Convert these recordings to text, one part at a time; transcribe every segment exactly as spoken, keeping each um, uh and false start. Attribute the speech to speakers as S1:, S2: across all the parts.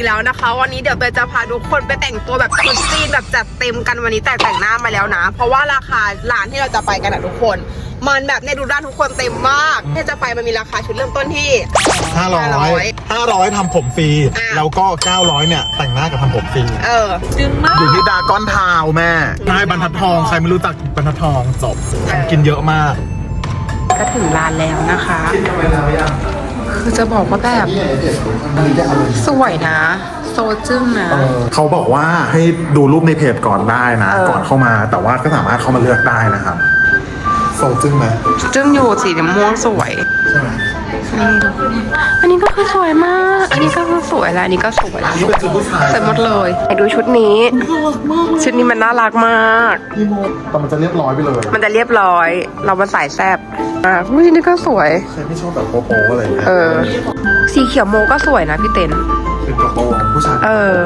S1: แล้วนะคะวันนี้เดี๋ยวเตยจะพาทุกคนไปแต่งตัวแบบชุดจีนแบบจัดเต็มกันวันนี้แต่แต่งหน้ามาแล้วนะเพราะว่าราคาร้านที่เราจะไปกันนะทุกคนมันแบบเนี่ยดูร้านทุกคนเต็มมากที่จะไปมันมีราคาชุดเริ่มต้นที่
S2: ห้าร้อยห้าร้อยทำผมฟรีแล้วก็เก้าร้อยเนี่ยแต่งหน้ากับทำผมฟรี
S1: เออจึงมาก
S2: อยู่ที่ดาก้อนทาวแม่ใช่บรรทัดทองใครไม่รู้จักบรรทัดทองจบกินเยอะมาก
S1: ก็ถึงร้านแล้วนะคะคือจะบอกว่าแบบสวยนะโซจึ้งนะ
S2: เขาบอกว่าให้ดูรูปในเพจก่อนได้นะก่อนเข้ามาแต่ว่าก็สามารถเข้ามาเลือกได้นะครับโซจึ้งไหม
S1: จึ้งอยู่สีม่วงสวย
S2: ใช่ไหม
S1: อันนี้ก็คือสวยมากอันนี้ก็คือสวยแล้วอันนี้ก็สวยแล้วสวยหมดเลยไปดูชุดนี้ชุดนี้มันน่ารักมาก
S2: แต่มันจะเรียบร้อยไปเลย
S1: มันจะเรียบร้อยเรามาใส่แซ่บอ่ะผู้ชายนี่ก็สวย
S2: ใครไม่ชอบแบบโป๊ะๆอะไรเงี้ย
S1: เออสีเขียวโมก็สวยนะพี่เต้น
S2: เป็นกระโปรงผู้ชาย
S1: เออ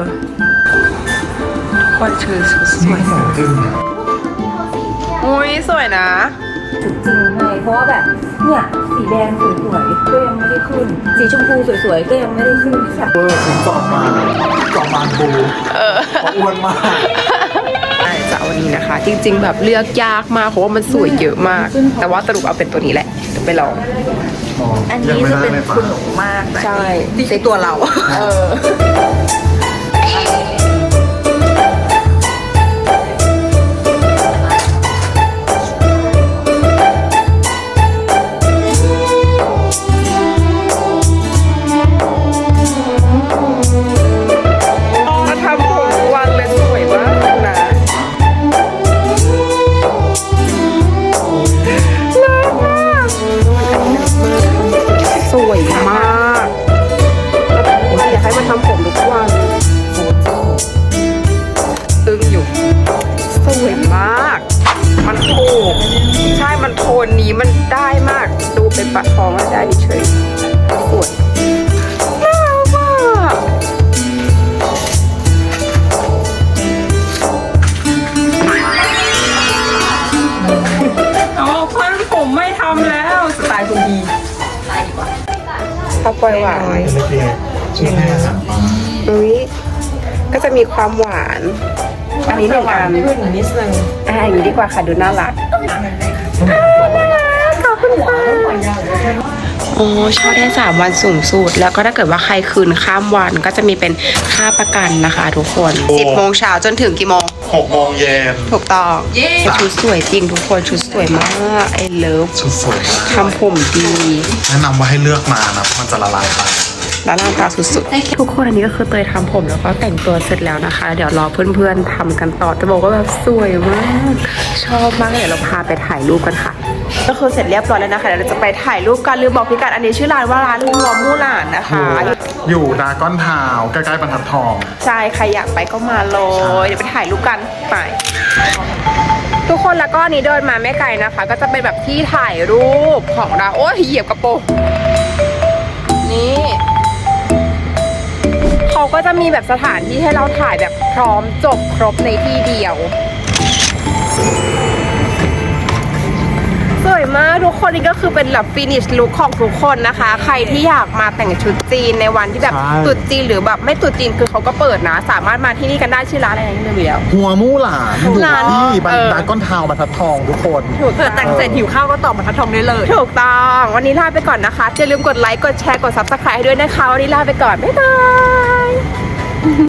S1: คนชื่อสวย
S2: จริงเนี่ย
S1: อุ้ยสวยนะ
S3: จริงให้เพราะว่าแบบเนี่ยสีแดงสวยๆก็ยังไม่ได้ขึ้นสีชมพูสวยๆก็ยังไม่ได้ขึ้นค่ะ
S2: เออถึงจอมมาจอมมานบูเอออ้วนมาก
S1: ใช่จะเอาวันนี้นะคะจริงๆแบบเลือกยากมากเพราะว่ามันสวยเยอะมากแต่ว่าสรุปเอาเป็นตัวนี้แหละไปลอง
S3: อันนี้จะเป็นคุณหนูมาก
S1: ใช่
S3: ในตัวเรา
S1: เออคนนี้มันได้มากดูเป็นปะทองได้ดิเฉยสวยน่ารักมากอ๋อเพื่อนผมไม่ทำแล้วสไตล์คุณดีสไตล์ดีกว่าข้าวปล่อยหวานอุ้ยก็จะมีความหวานอันนี้หนึ่งอันขึ้นนิดนึงอ่าอย่างนี้ดีกว่าค่ะดูน่ารักขอบคุณค่ะโอ้เช่าได้สามวันสูงสุดแล้วก็ถ้าเกิดว่าใครคืนข้ามวันก็จะมีเป็นค่าประกันนะคะทุกคนสิบโมงเช้าจนถึงกี่โมง
S2: หกโมงเย็น
S1: ถูกต้องชุดสวยจริงทุกคนชุดสวยมากไอ้เลิฟ
S2: ชุดสวย
S1: ทำผมดี
S2: แนะนำว่าให้เลือกมานะมันจะละลายไป
S1: แล้วร่างกายสุดๆทุกคนอันนี้ก็คือเตยทำผมแล้วก็แต่งตัวเสร็จแล้วนะคะเดี๋ยวรอเพื่อนๆทำกันต่อจะบอกว่าแบบสวยมากชอบมากเดี๋ยวเราพาไปถ่ายรูปกันค่ะก็คือเสร็จเรียบร้อยแล้วนะคะเดี๋ยวเราจะไปถ่ายรูปกันลืมบอกพิกัดอันนี้ชื่อร้านว่าร้านหัวมู่หลานนะคะ
S2: อยู่ดาก้อนทาวใกล้ๆบรรทัดทอง
S1: ใช่ใครอยากไปก็มาเลยเดี๋ยวไปถ่ายรูปกันไปทุกคนแล้วก็อันนี้เดินมาไม่ไกลนะคะก็จะเป็นแบบที่ถ่ายรูปของเราโอ้ยเหยียบกระโปรงนี่เขาก็จะมีแบบสถานที่ให้เราถ่ายแบบพร้อมจบครบในที่เดียวสวยมากทุกคนนี่ก็คือเป็นแบบฟินิชลุคของทุกคนนะคะใครที่อยากมาแต่งชุดจีนในวันที่แบบตรุษจีนหรือแบบไม่ตรุษจีนคือเขาก็เปิดนะสามารถมาที่นี่กันได้ชื่อร้านอะไรนะที่เดียว
S2: หัวมู่หลานอยู่ที่บรรทัดก้อนทาวบรรทัดทองทุกคน
S1: เผื่อแต่งเสร็จหิวข้าวก็ต่อบรรทัดทองได้เลยถูกต้องวันนี้ลาไปก่อนนะคะอย่าลืมกดไลค์กดแชร์กดซับสไครบ์ให้ด้วยนะคะวันนี้ลาไปก่อนบ๊ายบาย